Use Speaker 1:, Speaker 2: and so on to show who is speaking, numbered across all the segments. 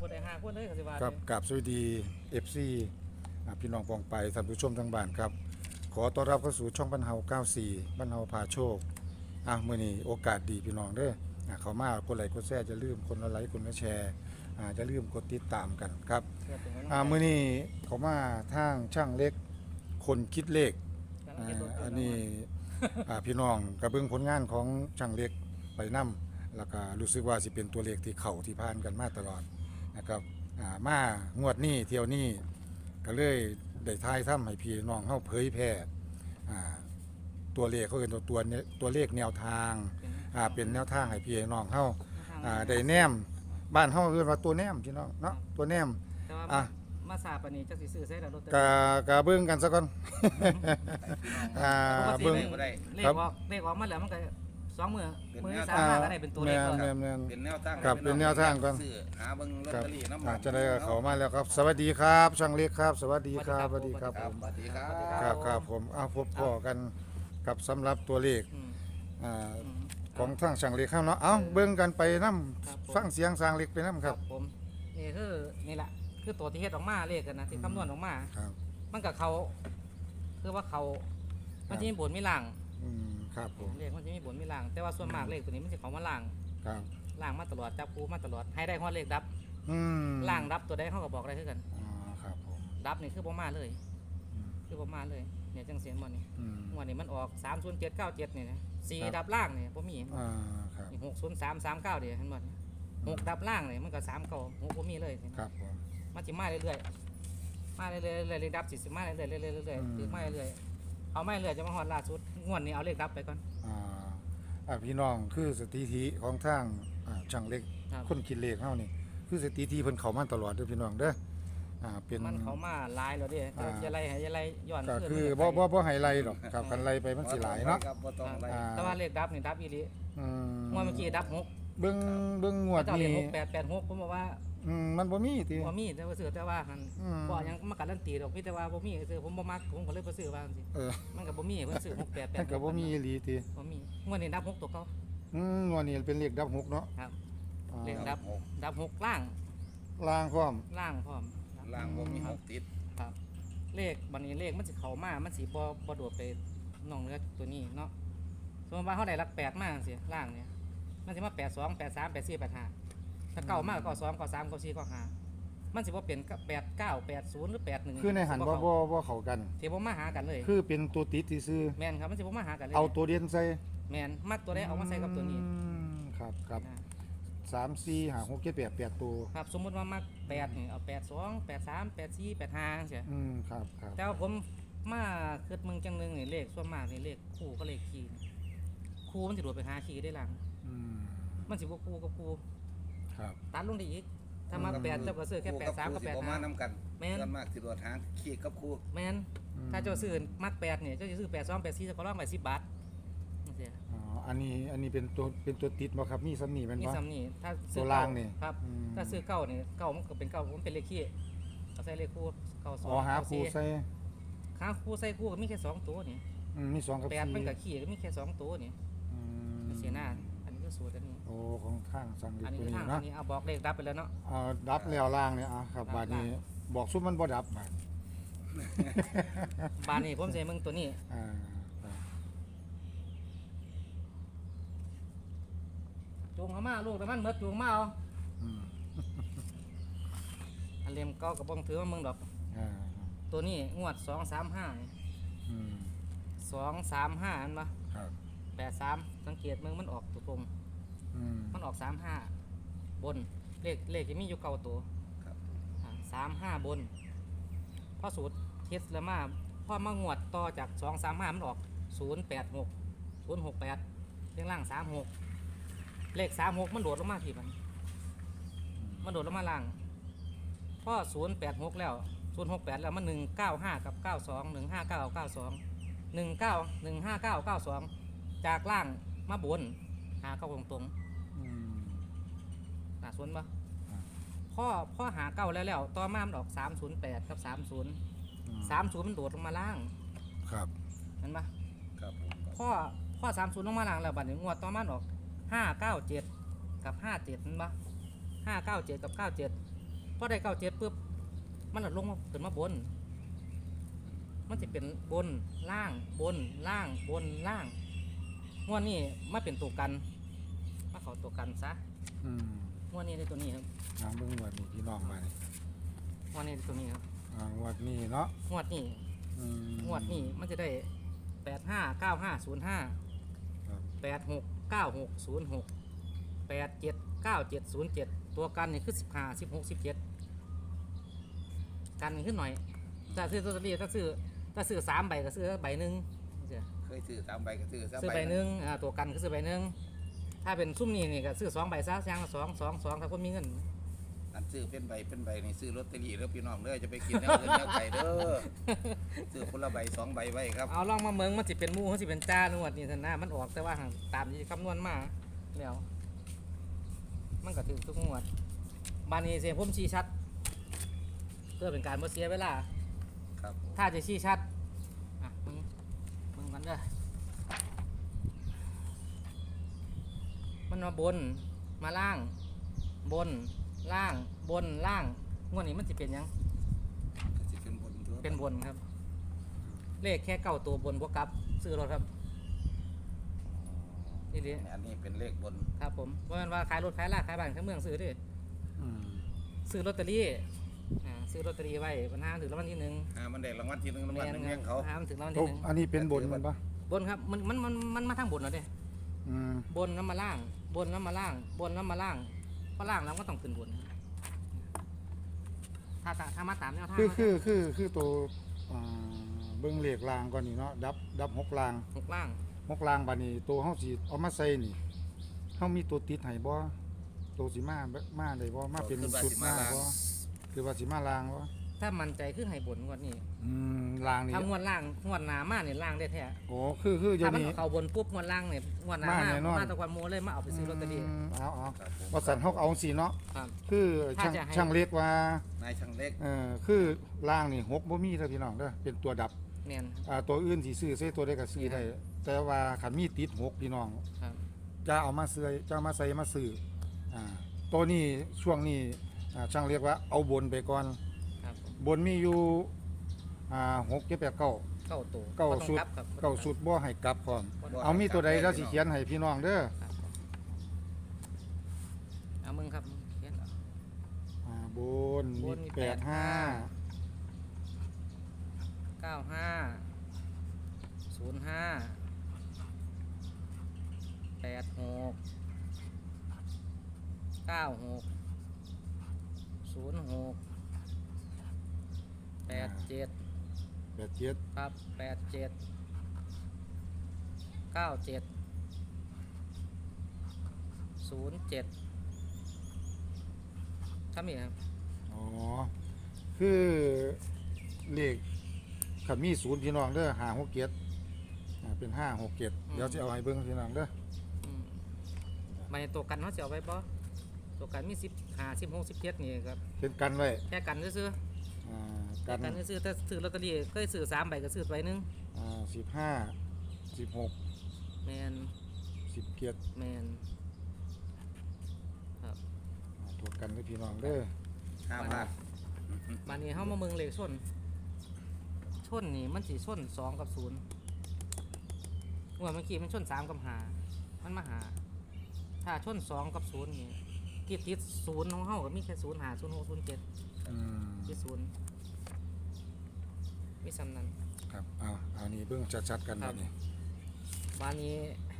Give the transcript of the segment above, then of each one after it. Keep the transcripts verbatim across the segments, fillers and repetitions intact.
Speaker 1: คนใดห้าคนเลยก็สิว่า
Speaker 2: ครับกับสวัสดี เอฟ ซี อ่าพี่น้องปองไปท่านผู้ชมทางบ้านครับขอต้อนรับเข้าสู่ช่องบรรเทาเก้าสิบสี่บรรเทาพาโชคอ่ะมื้อนี้โอกาสดีพี่น้องเด้ออ่ะเข้ามากดไลค์กดแชร์จะลืมคนละไลค์คนละแชร์อ่าจะลืมกดติดตามกันครับอ่ามื้อนี้เขามาทางช่างเล็กคนคิดเลขอ่าอันนี้อ่าพี่น้องกระเบื้องผลงานของช่างเล็กไปนํแล้วก็รู้สึกว่าสิเป็นตัวเลขที่เข้าที่ผ่านกันมาตลอดนะครับอ่ามางวดนี้เที่ยวนี้ก็เลยได้ทายทำให้พี่น้องเฮาเผยแพร่อ่าตัวเลขเขาเรียกตัวตัวตัวเลขแนวทางอ่าเป็นแนวทางให้พี่น้องเฮาอ่าได้แนมบ้านเฮาเรียกว่าตัวแนมพี่น้องเนาะตัวแนมอ่ะ
Speaker 1: มาสาปานนี้จักสิซื้อใส่แล้วรถ
Speaker 2: กะกะเบิ่งกันซะก่อนอ่าเบิ่ง
Speaker 1: เลขออกเลขออกมาแล้วมันก็สองมื้อมื้อที่สามมาก็ได้เป็นตัวเลขก่อน
Speaker 2: แม่นๆ
Speaker 3: เป็นแนวทาง
Speaker 2: ครับเป็นแนวทางก่อน
Speaker 3: ซื้อหาเบิ่งลอต
Speaker 2: ครับ
Speaker 3: เตอรี่น้ำ
Speaker 2: อาจจะได้เขามาแล้วครับสวัสดีครับช่างเล็กครับ สวัสดีครับสวัสดีครับ
Speaker 3: ค
Speaker 2: ผ
Speaker 3: รับ
Speaker 2: ม
Speaker 3: สวัสดีครับ
Speaker 2: ครับครับผมเอาพบพ่อกันกับสำหรับตัวเลข
Speaker 1: อืม
Speaker 2: อ่า
Speaker 1: อืม
Speaker 2: ของทางช่างเล็กครับเนาะเอาเบิ่งกันไปนํ
Speaker 1: ครับผม
Speaker 2: ฟังเสียงช่างเล็กไปนํครับ
Speaker 1: ผมนี่คือนี่แหละคือตัวที่เฮ็ดออกมาเลขกันนะที่คำนวณออกมา
Speaker 2: ครับ
Speaker 1: มันกับเขาคือว่าเขามันจะมีบนมีล่าง
Speaker 2: อืมครับผม
Speaker 1: เลขมันจะมีบนมีล่าง แต่ว่าส่วนมากเลขตัวนี้มันจะเขามาล่าง
Speaker 2: ครับ
Speaker 1: ล่างมาตลอดจับคูมาตลอดให้ได้ฮอดเลขดับ
Speaker 2: อืม
Speaker 1: ล่างดับตัวได้เขาก็บอกได้คือกัน
Speaker 2: อ๋อครับผม
Speaker 1: ดับนี่คือบ่มาเลย
Speaker 2: อืม
Speaker 1: คือบ่มาเลยเนี่ยจังเสียนบ่นี่
Speaker 2: อืม
Speaker 1: งวดนี้มันออกสามศูนย์เจ็ดเก้าเจ็ดนี่นะสี่
Speaker 2: ครับ
Speaker 1: ดับล่างนี่บ่มี
Speaker 2: อ่าครับ
Speaker 1: หกศูนย์สามสามเก้าเดี๋ยวเห็นบ่นี่หกดับล่างนี่มันก็สามเก้าหกบ่มีเลย
Speaker 2: ครับผม
Speaker 1: มันสิมาเรื่อยๆมาเรื่อยๆเรื่อยๆเลขดับสิสิมาเรื่อยๆเรื่อยๆเรื่อย
Speaker 2: อืม
Speaker 1: ๆถือมาเรื่อยๆเอามาเรื่อยๆจะมาฮอดล่าสุดงวดนี้เอาเลขดับไปก่อน
Speaker 2: อ่าอ่าพี่น้องคือสถิติของทางอ่าช่างเล็ก
Speaker 1: ครับ
Speaker 2: คนคิดเลขเฮานี่คือสถิติเพิ่นเข้ามาตลอดเด้อพี่น้องเด้ออ่าเป็น
Speaker 1: มันเขามาหลายแล้วเด้
Speaker 2: อ่า
Speaker 1: จะไล่ให้จะไล่ย้อน
Speaker 2: ก็
Speaker 1: ขึ้น
Speaker 2: คือ
Speaker 1: มัน
Speaker 2: บ่
Speaker 1: ก็ไป
Speaker 2: บ่บ่ให้ไล่ดอกครับคันไล่ไปมันสิหลายเนาะ
Speaker 3: ครับบ่ต้องอะไร
Speaker 2: อ่า
Speaker 1: แต่ว่าเลขดับนี่ดับอีหลี
Speaker 2: อืม
Speaker 1: งวดเมื่อกี้ดับหก
Speaker 2: เบิ่งเบิ่งงวด
Speaker 1: เจ้าเล
Speaker 2: นี้
Speaker 1: ขหกแปดแปดหกผมบอกว่า
Speaker 2: อืมมันบ่มีติ
Speaker 1: บ่มีแต่ว่าซื้อแต่ว่าหัน
Speaker 2: อืม
Speaker 1: บ่ยังมาการันตีดอกมีแต่ว่าบ่มีซื้อผมบ่มักผมก็เลยบ่ซื้อว่าจังซี่
Speaker 2: เออ
Speaker 1: มันก็บ่มีเพิ่นซื้อหกแปดแปด
Speaker 2: มันก็บ่มีอีหลีติ
Speaker 1: บ่มีงวดนี้ดับหกตัวเก่า
Speaker 2: อืมงวดนี้เป็นเลขดับหกเนาะ
Speaker 1: ครับ
Speaker 2: อ่า
Speaker 1: เลขดับดับหกล่าง
Speaker 2: ล่างพร้อม
Speaker 1: ล่างพร้อม
Speaker 3: ล่างบ่มีหกติด
Speaker 1: ครับ เลขบัดนี้เลขมันสิเข้ามามันสิบ่บ่โดดไปน้องเนื้อตัวนี้เนาะสมมุติว่าเฮาได้หลักแปดมาจังซี่ล่างเนี่ยมันสิมาแปดสอง แปดสาม แปดสี่ แปดห้าถ้าเก้ามากก็สองก็สามก็สี่ก็ห้ามันสิบ่เป็นแปดเก้า แปดศูนย์หรือแปดหนึ่ง
Speaker 2: คือในหันบ่บ่บ่เข้ากัน
Speaker 1: สิบ่มาหากันเลย
Speaker 2: คือเป็นตัวติดซื่อ
Speaker 1: แม่นครับมันสิบ่มาหากันเลย
Speaker 2: ๆเอาตัวเด่นใส่
Speaker 1: แม่นมักตัวใดเอามาใส่กับตัวนี้
Speaker 2: อืมครับครับ
Speaker 1: นะ
Speaker 2: สาม สี่ ห้า หก เจ็ด แปด แปดตัว
Speaker 1: ครับสมมุติว่ามักแปดนี่เอาแปดสอง แปดสาม แปดสี่ แปดห้าจังซี่
Speaker 2: อืมครับครับ
Speaker 1: แต่ว่าผมมาคิดมึงจังหนึงนี่เลขส่วนมากนี่เลขคู่ก็เลขคีย์คู่มันสิโดดไปหาคีย์ได้หลัง
Speaker 2: อืม
Speaker 1: มันสิบ่คู่กับคู่
Speaker 2: ครับ
Speaker 1: ตัดลงได้อีกถ้ามาแปดเจ้าก็ซื้อแค่แปดสามกับแปด
Speaker 3: บ่
Speaker 1: ห้า
Speaker 3: มานํกัน
Speaker 1: แม่น
Speaker 3: ส่วนมากสิโดดหางขี้กับคู่
Speaker 1: แม่นถ้าเจ้าซื้อมักแปดเนี่ยเจ้าจะซื้อแปดสองแปดสี่จะก็ร้องไปสิบบาทจังซี่
Speaker 2: อ๋ออันนี้อันนี้เป็นตัวเป็นตัวติดบ่ครับมีซ้ำนี่แม่น
Speaker 1: มี
Speaker 2: บ่
Speaker 1: ซ้ำนี่ถ้า
Speaker 2: ตั
Speaker 1: ซื้อ
Speaker 2: ว
Speaker 1: เก้า
Speaker 2: ล่างนี่
Speaker 1: ครับ
Speaker 2: อืม
Speaker 1: ถ้าซื้อเก้านี่เก้ามันก็เป็นเก้ามันเป็นเลขคีย์เอาใส่เลขคู่เก้าสอง
Speaker 2: อ๋อหา
Speaker 1: เก้า
Speaker 2: คู่
Speaker 1: สี่
Speaker 2: ใส่
Speaker 1: หาคู่ใส่คู่ก็มีแค่สองตัวนี่
Speaker 2: อืมมีสองกับ
Speaker 1: แปด
Speaker 2: สี่
Speaker 1: มันกับคีย์ก็มีแค่สองตัวนี่
Speaker 2: อืม
Speaker 1: เสียหน้าอันนี้ก็สูตรอันนี้
Speaker 2: โอ้ของข้างสั่งอี
Speaker 1: อั
Speaker 2: ก
Speaker 1: นนี้
Speaker 2: ตัว
Speaker 1: คือ
Speaker 2: นี้
Speaker 1: ทางอั
Speaker 2: เนาะ
Speaker 1: นนี้เอาบอกเลขดับไปแล้วเนาะ
Speaker 2: เอาดับแล้วล่างเนี่ยอ่ะครับ
Speaker 1: ดับ
Speaker 2: บาดนี้
Speaker 1: ล่าง
Speaker 2: บอกซุมมันบ่ดับบาด
Speaker 1: บานนี่ผมใส่มึงตัวนี้
Speaker 2: อ่าครับ
Speaker 1: จูงเขามาลูกแต่มันเมดจูงมาเอา
Speaker 2: อืม
Speaker 1: อันเลียมเก้ากับบ้องถือว่ามึงดอก
Speaker 2: อ่า
Speaker 1: ตัวนี้งวดสองสามห้า
Speaker 2: อืม
Speaker 1: สองสามห้าอันปะ
Speaker 2: ครับ
Speaker 1: แปดสามสังเกตมึงมันออกตัวตรง
Speaker 2: อืม
Speaker 1: มันออกสามห้าบนเลขเลขจะมีอยู่เก้าตัว
Speaker 3: ครับ
Speaker 1: สามห้าบนพอสูตรเทสแล้วมาพอมางวดต่อจากสองสามห้ามันออกศูนย์แปดหกศูนย์หกแปดเรียงล่างสามหกเลขสามหกมันโดดลงมาทีมันมันโดดลงมาล่างพอศูนย์แปดหกแล้วศูนย์หกแปดแล้วมันหนึ่งเก้าห้ากับเก้าสองหนึ่งห้าเก้าเก้าสองหนึ่งเก้าหนึ่งห้าเก้าเก้าสองจากล่างมาบนหาเก้าตรงตรง
Speaker 2: อืม
Speaker 1: ๆหนาสวนปะ
Speaker 2: อ่า
Speaker 1: พ่อพ่อหาเก้าแล้วแล้วต่อมามันออกสามศูนย์แปดกับสามศูนย์
Speaker 2: อืม
Speaker 1: สามศูนย์มันโดดลงมาล่าง
Speaker 2: ครับ
Speaker 1: เห็นปะ
Speaker 3: ครับผม
Speaker 1: พ่อพ่อสามศูนย์ลงมาล่างแล้วบัดนี้งวดต่อมาออกห้าเก้าเจ็ดกับห้าเจ็ดเห็นปะห้าเก้าเจ็ดกับเก้าเจ็ดอได้เก้าเจ็ดปุ๊บมันหลดลงมาขึ้นมาบน มันจะเป็นบนล่างบนล่างบนล่างงวดนี้มาเป็นตัวกันมาเขาตัวกันซะ
Speaker 2: อืม
Speaker 1: งวดนี้ได้ตัวนี้ครับ
Speaker 2: อ่าเบิ่งงวดนี้พี่น้องมานี่
Speaker 1: งวดนี้ได้ตัวนี้ครับ
Speaker 2: อ่างวดนี้เนาะ
Speaker 1: งวดนี้
Speaker 2: อืม
Speaker 1: งวดนี้มันจะได้แปดห้าเก้าห้าศูนย์ห้า
Speaker 2: ครับ
Speaker 1: แปดหกเก้าหกศูนย์หกแปดเจ็ดเก้าเจ็ดศูนย์เจ็ดตัวกันนี่คือสิบห้าสิบหกสิบเจ็ดกันนี่ขึ้นหน่อยถ้าซื้อตัวนี้ถ้าซื้อถ้าซื้อสามใบก็ซื้อใบหนึ่ง
Speaker 3: เคยซื้อสามใบก็ซื้อสาม
Speaker 1: ซื้อ
Speaker 3: ใบ
Speaker 1: ใบหนึ่งอ่าตัวกันก็ซื้อใบหนึ่งถ้าเป็นซุ่มนี่นี่ก็ซื้อสองใบซะย่างละสองสองสองถ้าคนมีเงิน
Speaker 3: อันซื้อเป็นใบเป็นใบนี่ซื้อลอตเตอรี่แล้วพี่น้องเด้อจะไปกินแนวอื่นแนวไก่เด้อซื้อคนละใบสองใบไว้ครับ
Speaker 1: เอาลองมาเมืองมันสิเป็นหมู่มันสิเป็นจ้านวดนี่ท่านนะมันออกแต่ว่าห่างตามที่คำนวณมาแล้วมันก็ถึงทุกงวดบานนี้เสียงผมชี้ชัดเพื่อเป็นการบ่เสียเวลา
Speaker 3: ครับผม
Speaker 1: ถ้าจะชี้ชัดอ่ะมึงมึงกันเด้อมันมาบนมาล่างบนล่างบนล่างงวดนี้มันสิเป็นหยัง
Speaker 3: ก็สิเป็นบนทั่ว
Speaker 1: เป็นบนครับ เลขแค่เก้าตัวบนบวกกับซื้อรถครับนี่ดิ
Speaker 3: อันนี้เป็นเลขบน
Speaker 1: ครับผมเพราะฉะนั้นว่าขายรถขายลาขายบ้านขายเมืองซื้อดิ
Speaker 2: อืม
Speaker 1: ซื้อลอตเตอรี่อ่าซื้อลอตเตอรี่ไว้ปัญหาถึงรางวัลที่หนึ่ง
Speaker 3: หามันได้รางวัลที่หนึ่งรางวัลหนึ่งเลี้ยงเขา
Speaker 1: หามันถึงรางวัล
Speaker 2: โอ้
Speaker 1: ที่หนึ่ง
Speaker 2: อันนี้เป็นบนมันปะ
Speaker 1: บนครับมันมันมันมันมาทางบนเหรอเด้
Speaker 2: อืม
Speaker 1: บนแล้วมาล่าง บนแล้วมาล่าง บนแล้วมาล่างเพราะล่างแล้วก็ต้องขึ้นบนถ้าตาถ้ามาตามแนวทาง
Speaker 2: คือคือคือคือตัวอ่าเบิ่งเลขรางก่อนนี่เนาะดับดับหกราง
Speaker 1: หกล่าง
Speaker 2: หกรางบัดนี้ตัวเฮาสิเอามาใส่นี่เฮามีตัวติดให้บ่ตัวสิมามาได้บ่มาเป็นชุดมาบ่คือว่าสิมาลางบ่
Speaker 1: ถ้ามันใจขึ้นให้บนงวดนี้
Speaker 2: อืมลางนี่
Speaker 1: ถ้างวดล่างงวดหนามาเนี่ยล่างได้แท้
Speaker 2: โอ้คือคืออยู่
Speaker 1: ถ้ามัน
Speaker 2: นี่
Speaker 1: เอาบนปุ๊บงวดล่างเนี่ยงวดหนา
Speaker 2: มา
Speaker 1: มา
Speaker 2: แน่นอน
Speaker 1: มาตะกวันโมเลยมาเอาไปซื้อลอตเตอรี่
Speaker 2: อืมเอาเอา
Speaker 3: ครับผม
Speaker 2: ว่าสันเฮาเอาสิเนาะ
Speaker 1: ครับ
Speaker 2: คือช่าง
Speaker 1: ถ้าจะให้
Speaker 2: ช่างเล็กว่าน
Speaker 3: ายช่างเล็ก
Speaker 2: เอ่อคือล่างนี่หกบ่มีเด้อพี่น้องเด้อเป็นตัวดับ
Speaker 1: แมน
Speaker 2: อ่าตัวอื่นสิซื้อใส่ตัวใดก็ซื้อได้แต่ว่าคันมีติดหกพี่น้อง
Speaker 1: ครับ
Speaker 2: จะเอามาซื้อจะเอามาใส่มาซื้ออ่าตัวนี้ช่วงนี้อ่าช่างเรียกว่าเอาบนไปก่อน
Speaker 1: ครับ
Speaker 2: บนมีอยู่อ่าหกเจ็ดแปดเก้า
Speaker 1: เก้าตัว
Speaker 2: เก้า
Speaker 1: บ่ต้อง
Speaker 2: สุด
Speaker 1: กลับครับ
Speaker 2: เก้าสุดบ่ให้กลับพร้อม
Speaker 3: บ่
Speaker 2: เอามีตัวใด
Speaker 3: ให้กลั
Speaker 2: แล้
Speaker 3: บ
Speaker 2: วสิเขียนให้พี่น้องเด้อ
Speaker 1: ครับเอามึงครับเขียนเอา
Speaker 2: อ่าบน
Speaker 1: บ
Speaker 2: มี
Speaker 1: นมี
Speaker 2: แปดห้า
Speaker 1: เก้าห้าศูนย์ห้าแปดหกเก้าหกศูนย์หกแปดเจ็ด
Speaker 2: แปดเจ็ด
Speaker 1: ครับแปดเจ็ดเก้าเจ็ดศูนย์เจ็ดทำอีกครับ
Speaker 2: อ๋อคือเลขขันมีศูนย์พี่น้องเด้อห้าหกเจ็ดอ่าเป็นห้าหกเจ็ดเดี๋ยวจะเอาให้เบิ่งพี่น้องเด้อ
Speaker 1: อืมมาในตัวกันเขาจะเอาไว้บ่ตัวกันมีสิบห้าสิบหกสิบเจ็ดนี่ครับ
Speaker 2: เป็นกันไว้
Speaker 1: แค่กันซื้อ
Speaker 2: อ่า
Speaker 1: ๆ
Speaker 2: กั
Speaker 1: แค่
Speaker 2: น
Speaker 1: กันซื้อๆถ้าซื้อลอตเตอรี่ก็ซื้อสามใบก็ซื้อใบหนึง
Speaker 2: อ่าสิบห้าสิบหก
Speaker 1: แมน
Speaker 2: สิบเจ็ด
Speaker 1: แมนครับ
Speaker 2: อ่าตัวกันเด้อพี่น้องเด้อ
Speaker 3: ห้าบาท
Speaker 1: มานี้เขามาเมืองเลขส้นส้นนี่มันสีส้นสองกับศูนย์หัวเมื่อกี้มันส้นสามกับหามันมาหา ถ้าส้นสองกับศูนย์นี่ที่ติดศูนย์ของเขาก็มีแค่ศูนย์หาศูนย์หกศูนย์เจ็ด
Speaker 2: อืม
Speaker 1: ที่ศูนย์มีสำนัน
Speaker 2: ครับเอาเอานี่เบิ่งชัดๆกัน
Speaker 1: ครั
Speaker 2: แบบ บนี้
Speaker 1: วานี้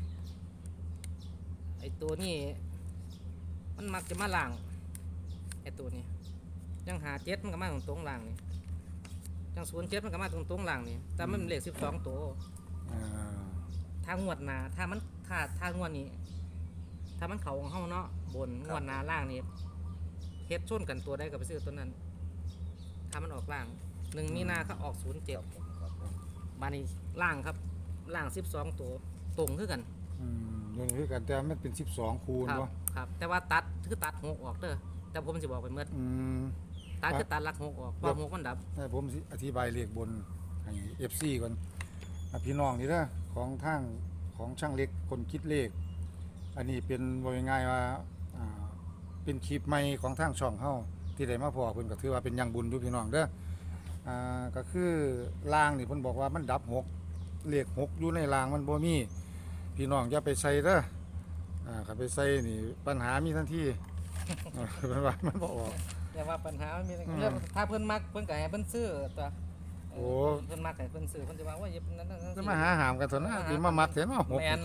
Speaker 1: ไอตัวนี้มันมักจะมาล่างไอตัวนี้ยังหาเจ็ดมันก็มาตรงตรงๆล่างนี่ยังศูนย์เจ็ดมันก็มาตรงตรงๆล่างนี่แต่มันเป็นเลขสิบสองตัว
Speaker 2: อ่า
Speaker 1: ถ้างวดหนาถ้ามันถ้าถ้างวดนี้ ถ้ามันเขาของเฮาเนาะบนงวดหนาล่างนี่เฮ็ดชนกันตัวได้กับไปซื้อตัวนั้น ถ้ามันออกล่างหนึ่งมีนาเขาออกศูนย์เจ็ด
Speaker 3: ครับผม
Speaker 1: บานี้ล่างครับล่างสิบสองตัวตรงคือกัน
Speaker 2: อืมอยู่นี่คือกันแต่มันเป็นสิบสองคูณ
Speaker 1: ครับ
Speaker 2: เนาะ
Speaker 1: ครับ แต่ว่าตัดคือตัดหกออกเด้อแต่ผมสิบอกไปเมื่อ
Speaker 2: อืม
Speaker 1: ตัดคือตัดหลักหกออกเพราะหกมันดับ
Speaker 2: ให้ผมสิอธิบายเลขบนให้ เอฟ ซี ก่อนอ่ะพี่น้องนี่เด้อของทางของช่างเล็กคนคิดเลข อันนี้เป็นว่าง่ายๆว่าอ่าเป็นคลิปใหม่ของทางช่องเฮาที่ได้มาพอเพิ่นก็ถือว่าเป็นอยังบุญอยู่พี่น้องเด้ออ่าก็คือรางนี่เพิ่นบอกว่ามันดับหกเลขหกอยู่ในรางมันบ่มีพี่น้องอย่าไปใส่เด้ออ่าคันไปใส่นี่ปัญหามีทันที เออเพิ่นว่ามันบ่ออก
Speaker 1: อย่าว่าปัญหามันมี
Speaker 2: อืม
Speaker 1: เรื่องถ้าเพิ่นมักเพิ่นก็ให้เพิ่นซื้อตัว
Speaker 2: โอ้
Speaker 1: เพิ่นมักให้เพิ่นซื้อเพิ่นจะว่าว่าอย่านั้นนั้น
Speaker 2: จะมาหาหามกันเถอะนะสิมามักเถอะเนาะหก
Speaker 1: แม่น
Speaker 2: สิ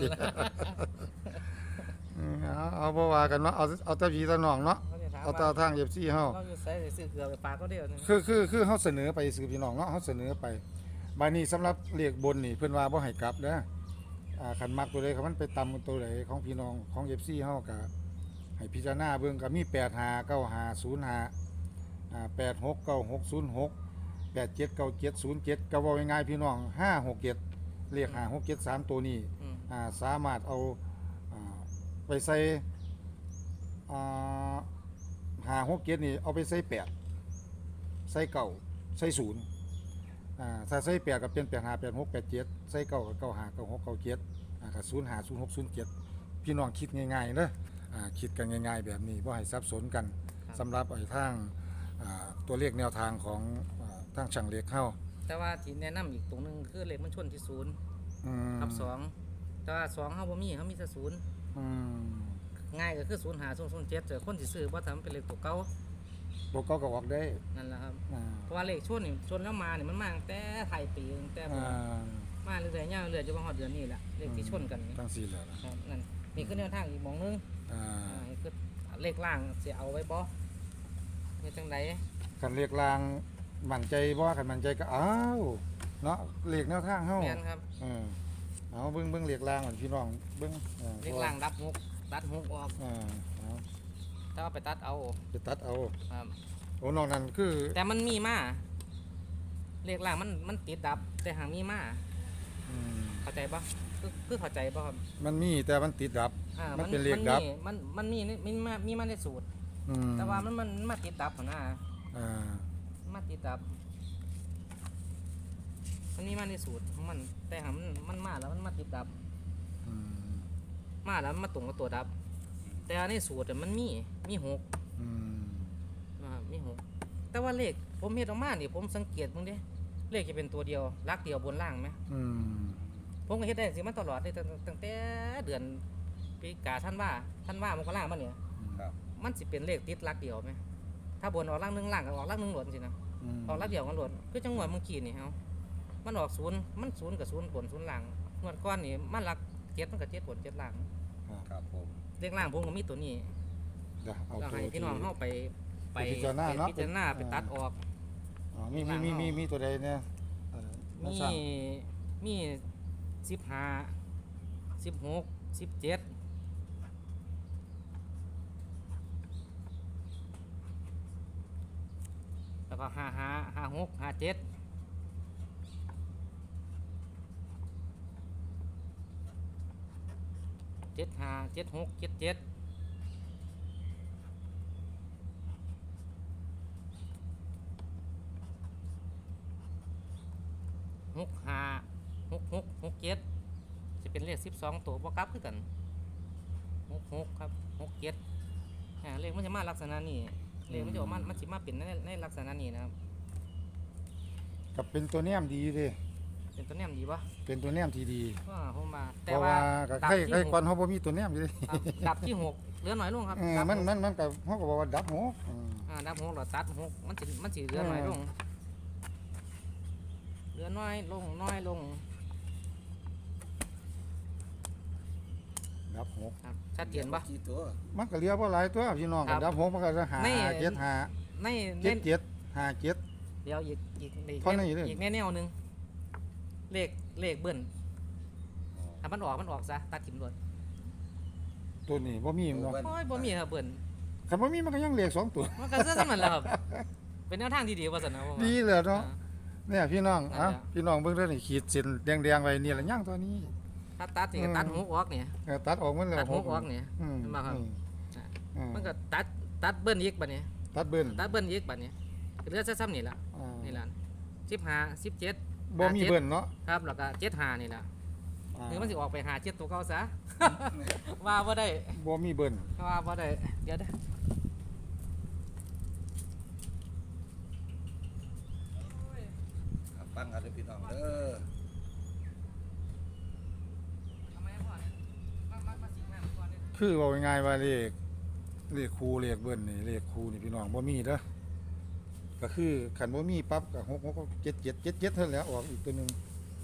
Speaker 2: อืมเอาเอาบ่ว่ากันเนาะเอาเอาแต่พี่แต่น้องเนาะ
Speaker 1: เขาจะถาม
Speaker 2: เอาแต่
Speaker 1: ว่า
Speaker 2: ทาง เอฟ ซี เฮา
Speaker 1: เราอยู่ไสได้ซื้อเกลือไปฝากเขาเดียวนึง
Speaker 2: คือคือคือเฮาเสนอไปสื่อพี่น้องเนาะเฮาเสนอไปบาดนี้สำหรับเลขบนนี่เพิ่นว่าบ่ให้กลับเด้ออ่าคันมักตัวใดคันมันไปต่ำกับตัวใดของพี่น้องของ เอฟ ซี เฮาก็ให้พิจารณาเบิ่งก็มีแปด ห้า เก้า ห้า ศูนย์ ห้าอ่าแปด หก เก้า หก ศูนย์ หก แปด เจ็ด เก้า เจ็ด ศูนย์ เจ็ดก็เว้าง่ายๆพี่น้องห้า หก เจ็ดเลขห้า หก เจ็ด สามตัวนี้
Speaker 1: อืม
Speaker 2: อ่าสามารถเอาอ่าไปใส่อ่าห้า หก เจ็ดนี่เอาไปใส่แปดใส่เก้าใส่ศูนย์อ่าถ้าใส่แปดก็เป็นแปด ห้า แปด หก แปด เจ็ดใส่เก้าก็เก้า ห้า เก้า หก เก้า เจ็ดอ่าก็ศูนย์ ห้า ศูนย์ หก ศูนย์ เจ็ดพี่น้องคิดง่ายๆเด้ออ่าคิดกันง่ายๆแบบนี้บ่ให้สับสนกันสำหรับไอ้ทางอ่าตัวเลขแนวทางของอ่าทางช่างเลขเฮา
Speaker 1: แต่ว่าที่แนะนำอีกตรงหนึงคือเลขมันชนที่ศูนย์
Speaker 2: อืม
Speaker 1: กับสองแต่ว่าสองเฮาบ่มีเฮามีแต่ศูนย์
Speaker 2: อืม
Speaker 1: ง่ายก็คือศูนย์ ห้า ศูนย์ ศูนย์ เจ็ดแต่คนสิซื้อบ่ทำเป็นเลขตัวเก่า
Speaker 2: ตัวเก้าก็ออกได้
Speaker 1: นั่นแหละครับ
Speaker 2: อ่า
Speaker 1: เพราะว่าเลขชนนี่ชนแล้วมานี่มันมาตั้งแต่ไทยปีตั้งแต่
Speaker 2: อ่า
Speaker 1: มาเรื่อยๆยาวเรื่อยๆจนมาฮอดเดือนนี้แหละเลขที่ชนกันนี่
Speaker 2: ทั้งสี่แล้วนะครับ
Speaker 1: นั่นนี่คือแนวทางอีกหมองหนึง
Speaker 2: อ่า
Speaker 1: อ่านี่คือเลขล่างสิเอาไว้บ่เฮ็ดจังได
Speaker 2: คันเรียกลางมั่นใจบ่คันมั่นใจก็อ้าวเนาะเรียกแนวทางเฮา
Speaker 1: แม่นครับ
Speaker 2: เออเอาเบิ่งเบิ่งเรียกลางก่อนพี่น้องเบิ่งออ
Speaker 1: เลขล่างดับหกตัดหกออก
Speaker 2: อ่าเอา
Speaker 1: แต่ว่าไปตัดเอา
Speaker 2: ไปตัดเอา
Speaker 1: ครับ
Speaker 2: โอ้นอกนั้นคือ
Speaker 1: แต่มันมีมาเลขล่างมันมันติดดับ แต่หางมีมา
Speaker 2: อืม
Speaker 1: เข้าใจปะคือคือเข้าใจปะครับ
Speaker 2: มันมีแต่มันติดดับ
Speaker 1: อ่า
Speaker 2: มันเป็นเลขดับ
Speaker 1: มันมันมีมันมีมามีมาในสูตร
Speaker 2: อืม
Speaker 1: แต่ว่ามันมันมาติดดับหัวหน้า
Speaker 2: อ่า
Speaker 1: มาติดดับ มันมีมาในสูตรของมัน แต่หางมันมันมาแล้วมันมาติดดับ
Speaker 2: อืม
Speaker 1: มาแล้วมันมาตรงกับตัวดับ แต่ในสูตรอะมันมีมีหก
Speaker 2: อืม
Speaker 1: นะครับมีหกแต่ว่าเลขผมเห็นออกมานี่ผมสังเกตมึงดิเลขจะเป็นตัวเดียวลักเดียวบนล่างไหม
Speaker 2: อืม
Speaker 1: ผมก็เฮ็ดได้สิมาตลอดเลยตั้งตั้งแต่เดือนปีกาท่านว่าท่านว่ามกรามาเนี่ย
Speaker 3: ครับ
Speaker 1: มันสิเป็นเลขติดลักเดียวไหมถ้าบนออกล่างหนึ่งล่างก็ออกล่างหนึ่งหลวนสินะ
Speaker 2: อืม
Speaker 1: ออกลักเดียวกันหลวนคือจังหวะเมื่อกี้นี่เฮามันออกศูนย์มันศูนย์กับศูนย์บนศูนย์ล่างงวดก้อนนี่มันลักเจ็ดมันกับเจ็ดบนเจ็ดล่าง
Speaker 3: ครับผม
Speaker 1: เลขล่างผมก็มีตัวนี้
Speaker 2: เดี๋ยวเอา
Speaker 1: เรา
Speaker 2: ตัว
Speaker 1: ให้พี่น้อง
Speaker 2: ที่
Speaker 1: เข้าไปไป
Speaker 2: ไปพิจารณาเนาะ
Speaker 1: ไปพิจารณาไปตัดออก
Speaker 2: อ๋อมีมีมีมีมีตัวใดเนี่ยเอ่อ
Speaker 1: มี
Speaker 2: สร้าง
Speaker 1: มีสิบห้าสิบหกสิบเจ็ดแล้วก็ห้าห้าห้าหกห้าเจ็ดเจ็ดห้าเจ็ดหกเจ็ดเจ็ดหกห้าหกหกหกเจ็ดจะเป็นเลขสิบสองตัวบวกกลับคือกันหกหกครับหกเจ็ดอ่าเลขมันจะมาลักษณะนี้เลขมันจะออกมามันจะมาเป็นในในลักษณะนี้นะครับ
Speaker 2: กับเป็นตัวแนมดีเด้
Speaker 1: เป็นตัวแนมดีปะ
Speaker 2: เป็นตัวแนมที่ดี
Speaker 1: ว่าผมมา
Speaker 2: เพ
Speaker 1: แต่
Speaker 2: ราะ
Speaker 1: ว่า
Speaker 2: ว่าก็
Speaker 1: ดับ
Speaker 2: ใคร
Speaker 1: ที่
Speaker 2: ใคร
Speaker 1: ห
Speaker 2: ก่อก นเฮาบ่มีตัวแนมอยู่เด้
Speaker 1: ครับดับที่หกเหลือหน่อยลงครับ
Speaker 2: เออ
Speaker 1: ดับ
Speaker 2: มัน
Speaker 1: หก
Speaker 2: มันมันก็เฮาก็บอกว่าดับหกอืม
Speaker 1: อ่าดับหกเราตัดหกมันสิมันสิเหลือน้อยลงเหลือน้อยลงน้อยลง
Speaker 2: ดับหก
Speaker 1: ครับชัดเจนปะ
Speaker 3: กี่ตัว
Speaker 2: มันก็เหลือบ่หลายตัวพี่น้อง
Speaker 1: ครั
Speaker 2: ก็
Speaker 1: บ
Speaker 2: ดับหกมันก็จะหา
Speaker 1: ใน
Speaker 2: เจ็ดหา
Speaker 1: ใน
Speaker 2: เจ็ด
Speaker 1: ใน
Speaker 2: เจ็ดหาเจ็ด
Speaker 1: เดี๋ยวอีกอีกอีก
Speaker 2: เท่านี้เลย
Speaker 1: อีกแนวๆหนึ่งเลขเลขเบิ้ลถ้ามันออกมันออกซะตัดถิ่มรวด
Speaker 2: ตัวนี้บ่มีมันเนาะ
Speaker 1: โอ้ยบ่มีครับเบิ้ล
Speaker 2: คันบ่มีมันก็ยังเหลือสองตัว
Speaker 1: มันก็เสื้อสมันแหล้วครับเป็นแนวทางที่ดีว่าสันนะผมว่า
Speaker 2: ดีเลยเนาะ
Speaker 1: อ่า
Speaker 2: เนี่ยพี่น้อง
Speaker 1: นั่น
Speaker 2: เอ้า
Speaker 1: แหละ
Speaker 2: พี่น้องเบิ่งเด้อนี่ขีดเส้นแดงๆไว้นี่ละย่างตัวนี้
Speaker 1: ถ้าตัดนี่ก็
Speaker 2: อืม
Speaker 1: ตัดหกออกเนี่ย
Speaker 2: เออตัดออกมันแล้ว
Speaker 1: ตัดหกออกเนี่ย
Speaker 2: อืม
Speaker 1: เห็นบ่ครับ
Speaker 2: อืม
Speaker 1: อ่า
Speaker 2: อืม
Speaker 1: มันก็ตัดตัดเบิ้ลอีกบัดนี้
Speaker 2: ตัดเบิ้น
Speaker 1: ตัดเบิ้ลอีกบัดนี้เหลือซ้ำๆนี่ละ
Speaker 2: อ่า
Speaker 1: นี่ละสิบห้าสิบเจ็ด
Speaker 2: บ่มีเบิ้นเนาะ
Speaker 1: ครับแล้วก็เจ็ดห้านี่ละ
Speaker 2: อ่า
Speaker 1: หรือมันสิออกไปหาเจ็ดตัวเก่าซะ ว่าบ่ได้
Speaker 2: บ่มีเบิ้น
Speaker 1: ว่าบ่ได้เดี๋ยวเด้อ
Speaker 3: อ
Speaker 1: ทำไมพ่อเนี่ยมามามาสิงแม่ก่อนเนี่ย
Speaker 2: คือว่าง่ายๆว่าเลขเลขคูเลขเบิ้ลนี่เลขคูนี่พี่น้องบ่มีเด้อก็คือขันบ่มีปั๊บก็หกหกเจ็ดเจ็ดเจ็ดเจ็ดเท่านั้นแหล้วออกอีกตัวหนึง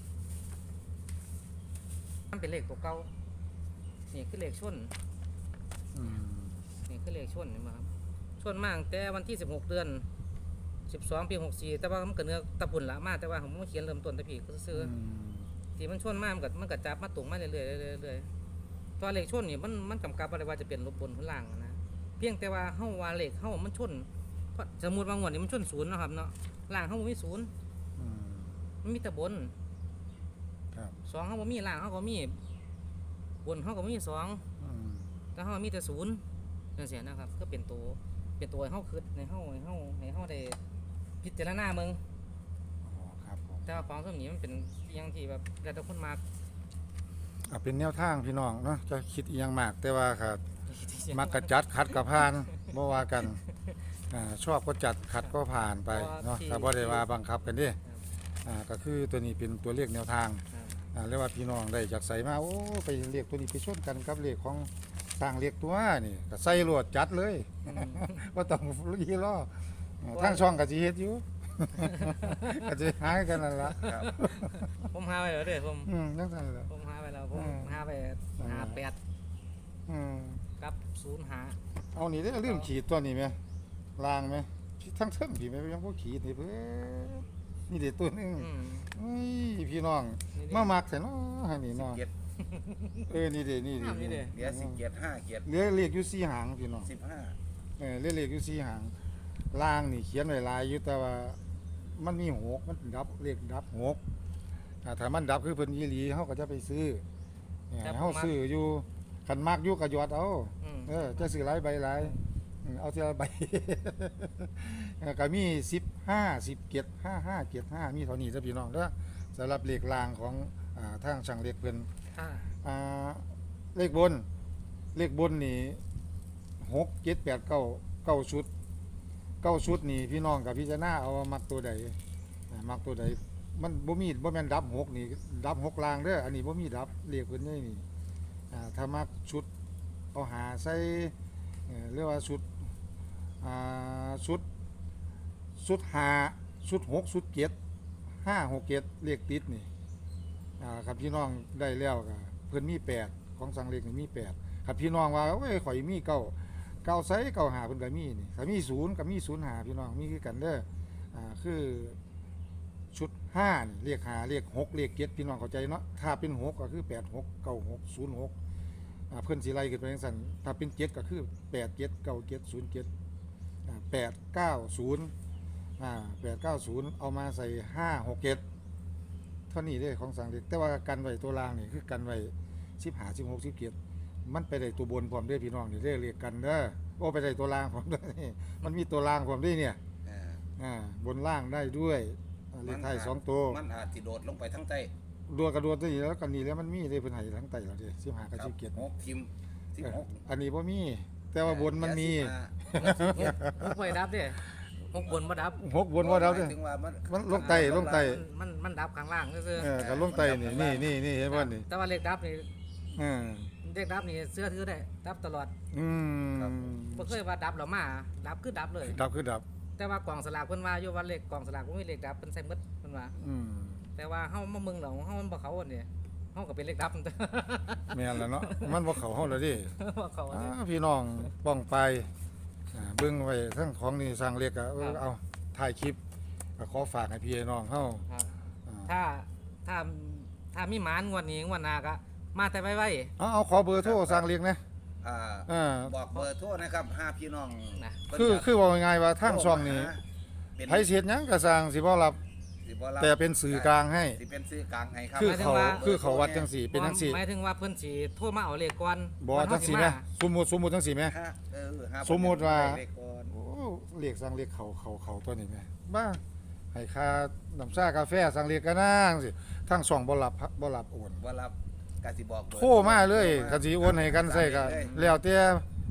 Speaker 1: มันเป็นเลขตัวเก่านี่คือเลขชน
Speaker 2: อืม
Speaker 1: นี่คือเลขชนเห็นไหมครับชนมากแต่วันที่สิบหกเดือนสิบสองปีหกสี่แต่ว่ามันเกิดเนื้อตะปุ่นละมากแต่ว่าผมเขียนเริ่มต้นแต่พี่ก็ซื้อ
Speaker 2: อืม
Speaker 1: ที่มันชนมากมันก็มันก็จับมาตุงมาเรื่อยๆเรื่อยๆเรื่อยๆตัวเลขชนนี่มันมันกำกับอะไรว่าจะเป็นลบบนหรือล่างนะเพียงแต่ว่าเฮาว่าเลขเฮามันชนเพราะสมมุติว่างวดนี้มันชนศูนย์เนาะครับเนาะล่างเฮาบ่มีศูนย์
Speaker 2: อืม
Speaker 1: มันมีแต่บน
Speaker 2: ครับ
Speaker 1: สองเฮาบ่มีล่างเฮาก็มีบนเฮาก็มีสอง
Speaker 2: อืม
Speaker 1: แต่เฮามีแต่ศูนย์จังซี่นะครับก็เป็นตัวเป็นตัวให้เฮาคิดในเฮาให้เฮาให้เฮาได้พิจารณาเมือง
Speaker 2: อ๋อครับผม
Speaker 1: แต่ว่าของส่วนนี้มันเป็นอหยังที่แบบแล้วแต่คนมาก
Speaker 2: อ่ะเป็นแนวทางพี่น้องเนาะจะคิดอีหยังมากแต่ว่าครับมักกะจัดขัดก็ผ่านบ่ว่ากันอ่าชอบก็จัดขัดก็ผ่านไปเนาะถ้าบ่ได้ว่าบังคับกันเด้อ่าก็คือตัวนี้เป็นตัวเลขแนวทาง
Speaker 1: ครับ
Speaker 2: อ่าเรียกว่าพี่น้องได้จากใส่มาโอ้ไปเรียกตัวนี้ไปชนกันกับเลขของสร้างเลขตัวนี่ก็ใส่รวดจัดเลย
Speaker 1: อืม
Speaker 2: ว่าต้องรีรออ่าทางช่องก็สิเฮ็ดอยู่ ก็สิหายกันนั่นล่ะ
Speaker 3: ครับ
Speaker 1: ผมหาไปแล้วเด้อผม
Speaker 2: อืมจังซั่นแหละ
Speaker 1: ผมหาไปแล้วผม
Speaker 2: อืม
Speaker 1: หาไปหาแปด
Speaker 2: อืม
Speaker 1: กับศูนย์หา
Speaker 2: เอานี่เด้อลืมขีดตัวนี้ไหมลางไหมทั้งเทิงพี่ไหมยังบ่ขีดนี่เพิ่นนี่เด็ดตัวหนึง
Speaker 1: อืม
Speaker 2: อุ้ยพี่น้อง
Speaker 1: นี่ดิ
Speaker 2: มามักใส่เนาะให้นี่
Speaker 3: สิบ
Speaker 2: เนาะ
Speaker 3: เกียรติ
Speaker 2: เออนี่เด้นี่
Speaker 1: งามนี่เด้
Speaker 3: เหลือสิบเกียรติห้าเกียรติ
Speaker 2: เหลือเลขอยู่สี่หางพี่น้อง
Speaker 3: สิบห้า
Speaker 2: เออเลขเลขอยู่สี่หางล่างนี่เขียนไว้หลายอยู่แต่ว่ามันมีหกมันดับเลขดับหกอ่าถ้ามันดับคือเพิ่นอีหลีเฮาก็จะไปซื้อเนี่ยเฮาซื้ออยู่คันมักอยู่ก็หยอดเอา
Speaker 1: อืม
Speaker 2: เออจะซื้อหลายใบหลายอืมเอาทีละใบ เออก็มีสิบห้า สิบเกียรติห้าห้าเกียรติห้ามีเท่านี้เด้อพี่น้องเด้อสำหรับเลขล่างของอ่าทางช่างเลขเพิ่น
Speaker 1: อ่า
Speaker 2: อ่าเลขบน เลขบนนี่หกเจ็ดแปดเก้าเก้าชุดเก้าชุดนี่พี่น้องกับพี่จะหน้าเอาว่ามักตัวใดอ่ามักตัวใดมันบ่มีบ่แม่นดับหกนี่ดับหกลางเด้ออันนี้บ่มีดับเลขเพิ่นนี่นี่อ่าถ้ามักชุดเอาหาใส่เอ่อเรียกว่าชุดอ่าชุดชุดหาชุดหกชุดเจ็ดห้าหกเจ็ดเลขติดนี่อ่าครับพี่น้องได้แล้วก็เพิ่นมีแปดของสังเลขนี่มีแปดครับพี่น้องว่าโอ้ยข่อยมีเก้าเก้าไซเก้าหาเพิ่นก็มีนี่ถ้ามีศูนย์ก็มีศูนย์หาพี่น้องมีคือกันเด้ออ่าคือชุดห้านี่เรียกหาเรียกหกเรียกเจ็ดพี่น้องเข้าใจเนาะถ้าเป็นหกก็คือแปดหกเก้าหกศูนย์หกอ่าเพิ่นสิไล่ขึ้นไปจังซั่นถ้าเป็นเจ็ดก็คือแปดเจ็ดเก้าเจ็ดศูนย์เจ็ดอ่าแปดเก้าศูนย์อ่าแปดเก้าศูนย์เอามาใส่ห้าหกเจ็ดเท่านี้เด้ของสังเลขแต่ว่ากันไว้ตัวล่างนี่คือกันไว้สิบห้าสิบหกสิบเจ็ดมันไปได้ตัวบนพร้อมเด้อพี่น้องนี่เด้อเรียกกันเด้อโอ้ไปได้ตัวล่างพร้อมเด้อนี่มันมีตัวล่างพร้อมด้วยเนี่ย
Speaker 3: อ่า
Speaker 2: อ่าบนล่างได้ด้วยอ่าเลขไทายสองตัว
Speaker 3: มันอาจสิโดดลงไปทั้งใต้
Speaker 2: ดวกระดวตัวนี้แล้วกันนี้แล้วมันมีได้เพิ่นให้ทั้งไตแล้วเด้สิบห้ากับ
Speaker 3: ครั
Speaker 2: สิ
Speaker 3: บบ
Speaker 2: เจ็ด
Speaker 3: หกทิมสิบ
Speaker 2: เออ
Speaker 3: หก
Speaker 2: อันนี้บ่มี แต่ว่าบนมันมี
Speaker 1: หกไปดับเด้หกบนมาดับ
Speaker 2: หกบนว่าเราเด้อ
Speaker 3: ถึงว่ามัน
Speaker 2: มันลงไตลงไต
Speaker 1: มันมันดับข้างล่างก็คือ
Speaker 2: เออกับลงไตนี่นี่นี่นี่เห็นบ่นี่
Speaker 1: แต่ว่าเลขดับนี่
Speaker 2: เออ
Speaker 1: เลขดับนี่เสื้อถือได้ดับตลอด
Speaker 2: อืม
Speaker 1: บ่เคยว่าดับหรอมาดับคือดับเลย
Speaker 2: ดับคือดับ
Speaker 1: แต่ว่ากล่องสลากเพิ่นว่าอยู่ว่าเลขกล่องสลากบ่มีเลขดับเพิ่นใส่หมดเพิ่นว่า
Speaker 2: อืม
Speaker 1: แต่ว่าเฮามาเมืองเราเฮามันบ่เขาอันนี้เฮาก็เป็นเลขดับ
Speaker 2: แม่นแล้วเนาะมันบ่เข้าเฮาแล้วดิ
Speaker 1: บ่เขาอัน
Speaker 2: อ่า
Speaker 1: นี้
Speaker 2: พี่น้องป้องไปอ่าเบิ่งไว้ทั้งของนี่สร้างเรียกก็เออ
Speaker 1: ครับ
Speaker 2: เอาถ่ายคลิปก็ขอฝากให้พี่น้องเฮา
Speaker 1: ครับ
Speaker 2: อ่า
Speaker 1: ถ้าถ้าถ้ามีหมานงวดนี้งวดหน้าก็มาแต่ไว้
Speaker 2: เอาเอาขอเบอร์โทรสร้างเรียกนะ
Speaker 3: อ่า
Speaker 2: อ่า
Speaker 3: บอกเบอร์โทรนะครับห้าพี่น้อง
Speaker 1: ๆนะ
Speaker 3: เพิ่น
Speaker 2: คือ
Speaker 3: จะ
Speaker 2: คือว่าง่ายๆว่าทางช่องนี้
Speaker 3: เป็น
Speaker 2: ไผสิเฮ็ดหยังก็สร้างสิบ่รับ
Speaker 3: สิบ่รับ
Speaker 2: แต่เป็นสื่อกลางให้
Speaker 3: สิเป็นสื่อกลางให้ครับ
Speaker 2: คือเขาคือเขาวัดจังสี่เป็นจังสี่
Speaker 1: หมายถึงว่าเพิ่นสิโทรมาเอาเลขก่อน
Speaker 2: บ่
Speaker 1: ก่อน
Speaker 2: จั
Speaker 1: เฮาง สิ
Speaker 2: สี่แหม
Speaker 1: มา
Speaker 2: สมมุติสมมุติจังสี่แหม
Speaker 3: ห้าเออห้า
Speaker 2: สมมุติว่า
Speaker 3: เลขก่อน
Speaker 2: โอ้เรียกสร้างเรียกเขาเขาเขาตัวนี้แหมบ้าให้ค่าน้ำชากาแฟสร้างเรียกก็นางสิทางช่องบ่รับบ่รับโอน
Speaker 3: ว่ารับกสิบอกเบอ
Speaker 2: โทรมาเลยก็สิโอนให้กันใส่ก็แล้วแต่
Speaker 1: ม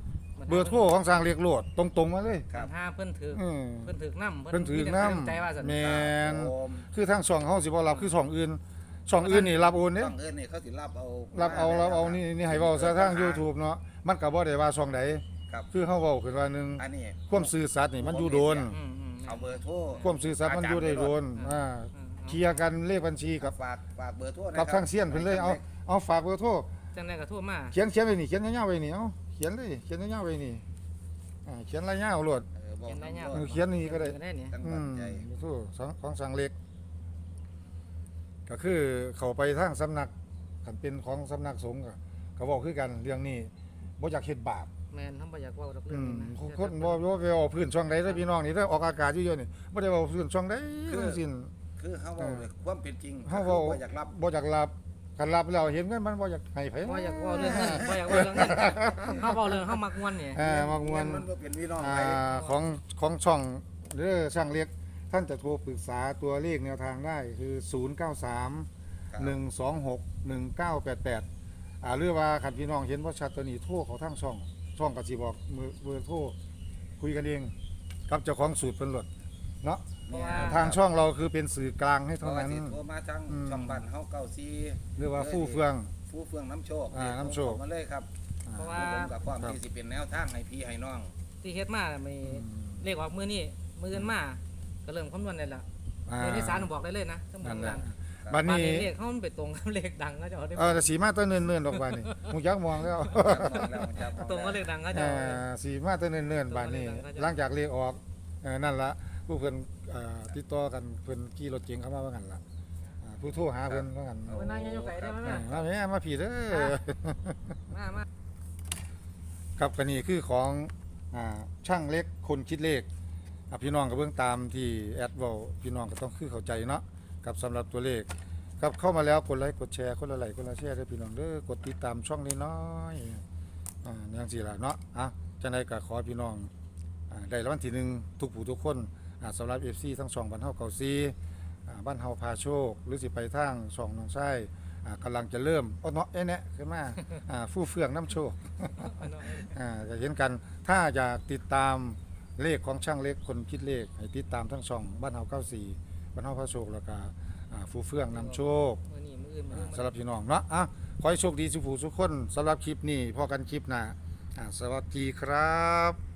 Speaker 2: เบอร์โทรของสร้างเรียกโลดตรงๆมาเลย
Speaker 3: ครับ
Speaker 1: ห้าเพิ่นถือ
Speaker 2: อืม
Speaker 1: เพิ่นถือนำ
Speaker 2: เพิ่นถือนำ
Speaker 1: ใจว่าซั่น
Speaker 2: แม่น
Speaker 3: ครับผม
Speaker 2: คือทางช่องเฮาสิบ่รับคือช่องอื่นช่องอื่นนี่รับโอนเด้
Speaker 3: ต้องเอิ้นนี่เขาสิรับเอา
Speaker 2: รับเอารับเอานี่นี่ให้เว้าซะทาง
Speaker 3: ครับ
Speaker 2: YouTube เนาะมันก็บ่ได้ว่าช่องใด
Speaker 3: ครับ
Speaker 2: คือเฮาเว้าขึ้นว่าหนึง
Speaker 3: อันนี้
Speaker 2: ความซื่อสัตย์นี่มันอยู่โดน
Speaker 1: อืมอืม
Speaker 3: เอาเบอร์โทร
Speaker 2: ความซื่อสัตย์มันอยู่ได้โดนอ่าเคลียร์กันเลขบัญชีกับ
Speaker 3: ฝากฝากเบอร์โทรนะ
Speaker 2: กับทางเซียนเพิ่นเลยเอาเอาฝากเบอร์โทร
Speaker 1: จังได๋ก็โทรมา
Speaker 2: เขียนเขียนไว้นี่เขียนยาวๆไว้นี่เอาเขียนเลยเขียนยาวๆไว้นี่อ่าเขียนรายยาวโลด
Speaker 3: เออบอก
Speaker 1: เขียนได้ยาว
Speaker 2: เออเขียนนี่ก็ได้
Speaker 1: ได้เนี่ย
Speaker 3: จังห
Speaker 2: อื
Speaker 3: วัด
Speaker 2: ม
Speaker 3: ใหญ่
Speaker 2: โทรของของสังเล็ก ก็คือเขาไปทางสำนักคันเป็นของสำนักสงฆ์ก็เขาบอกคือกันเรื่องนี้บ่อยากเฮ็ดบาป
Speaker 1: แม่นเฮาบ่อยากเว้าดอกเรื่
Speaker 2: อื
Speaker 1: อง
Speaker 2: ม
Speaker 1: นี้นะ
Speaker 2: คนบ่บ่ไปเอาพื้นช่องใดเด้อพี่น้องนี่เด้อออกอากาศอยู่ๆนี่บ่ได้เว้าพื้นช่องใดทั้งสิ้น
Speaker 3: คือเฮาเว้าเลยความเป็นจริง
Speaker 2: เฮาเว้า
Speaker 3: บ่อยากรับ
Speaker 2: บ่อยากรับคันรับแล้วเห็นเงินมันบ่อยากให้ไผ
Speaker 1: บ่อยากเว้าเรื่องเงินบ่อยากเว้าเรื่องเงินเฮาเว้าเรื่องเฮามักม่วนนี่
Speaker 2: เออมักมวน
Speaker 3: มันบ่เป็นพี่น้อง
Speaker 2: อ่า
Speaker 3: ไป
Speaker 2: ของของช่องหรือช่างเล็กท่านจะโทรปรึกษาตัวเลขแนวทางได้คือ ศูนย์ เก้า สาม
Speaker 3: ครับ
Speaker 2: หนึ่ง สอง หก หนึ่ง เก้า แปด แปด อ่าหรือว่าคันพี่น้องเห็นว่าชัดตัวนี้โทรเขาทางช่อง ช่องก็สิบอกมือเบอร์โทรคุยกันเองกับเจ้าของสูตรเพิ่นโลดเนาะ
Speaker 1: เพราะว่า
Speaker 2: ทางช่องเราคือเป็นสื่อกลางให้
Speaker 3: เพ
Speaker 2: เท่า
Speaker 3: ราะว่า
Speaker 2: นั้น
Speaker 3: สิโทรมาทาง
Speaker 2: อืม
Speaker 3: ช่องบ้านเฮาเก้าสี่
Speaker 2: หรือว่าฟู่เฟือง
Speaker 3: ฟู่เฟืองน้ำโชค
Speaker 2: อ่าน้ำโชค
Speaker 3: ส่งมาเลยครับ
Speaker 1: เพราะว่า
Speaker 3: ผมกับความ
Speaker 2: ครับ
Speaker 3: ที่สิเป็นแนวทางให้พี่ให้น้อง
Speaker 1: ที่เฮ็ดมามี
Speaker 2: อืม
Speaker 1: เลขออกมื้อนี้มื้ออื่นมาก็เริ่มคำนวณได้แล้ว
Speaker 2: อ่า
Speaker 1: เลขที่สามบอกได้เลยนะทั้งหมด
Speaker 2: นั่น
Speaker 1: ทั้ง
Speaker 2: แหละ
Speaker 1: นั้น
Speaker 2: บัด
Speaker 1: บ้าน
Speaker 2: นี้
Speaker 1: นี้เลขเขามันไปตรงกับเลขดังก็จะเอาได้
Speaker 2: เออแต่สีมาแตัวเนิ่นๆดอกบานนี่ฮู้จักมองแล้ว
Speaker 1: ตรงกับเลขดังก็จะ
Speaker 2: เอ่
Speaker 1: เอา
Speaker 2: อสีมาแตัวเนิ่นๆบานนี้หลังจากเลขออกเออนั่นละผู้เพิ่นเอ่อติดต่อกันเพิ่นขี่รถเก๋งเข้ามาว่างั้นล่ะอ่าผู้โทรหาเพิ่นว่างั้น
Speaker 1: เอาไปนั่งยังอยู่ไกลได้ไหม
Speaker 2: เอ
Speaker 1: แม่
Speaker 2: อมาแม่มาผีเด้อ
Speaker 1: มามา
Speaker 2: ครับก็นี่คือของอ่าช่างเล็กคนคิดเลขอ่ะพี่น้องก็เบิ่งตามที่แอดเว้าพี่น้องก็ต้องคือเข้าใจเนาะกับสำหรับตัวเลขครับเข้ามาแล้วกดไลค์กดแชร์คนละไลค์คนละแชร์เด้อพี่น้องเด้อกดติดตามช่องนี้น้อยๆอ่าอย่างสี่ล่ะเนาะอ่ะจังไดก็ขอให้พี่น้องอ่าได้รางวัลที่หนึ่งทุกผู้ทุกคนอ่าสำหรับ เอฟ ซี ทั้งช่องบ้านเฮาเก่าซีอ่าบ้านเฮาพาโชค หรือสิไปทางช่องน้องชายอ่ากำลังจะเริ่มอ้อเนาะเอ๊ะแนะขึ้นมาอ่าฟู่เฟืองน้ำโชค อ่าจะเห็นกันถ้าอยากติดตามเลขของช่างเล็กคนคิดเลขให้ติดตามทั้งช่องบ้านเฮาเก้าสี่บ้านเฮาพระโชคแล้วก็อ่าฟูเฟืองนำโชค
Speaker 1: มื้อนี้มื้ออื่นมื้อ
Speaker 2: อ่า
Speaker 1: อื่น
Speaker 2: สำหรับพี่น้องเนาะอ่ะขอให้โชคดีสุขผู้ทุกคนสำหรับคลิปนี้พอกันคลิปหน้าอ่าสวัสดีครับ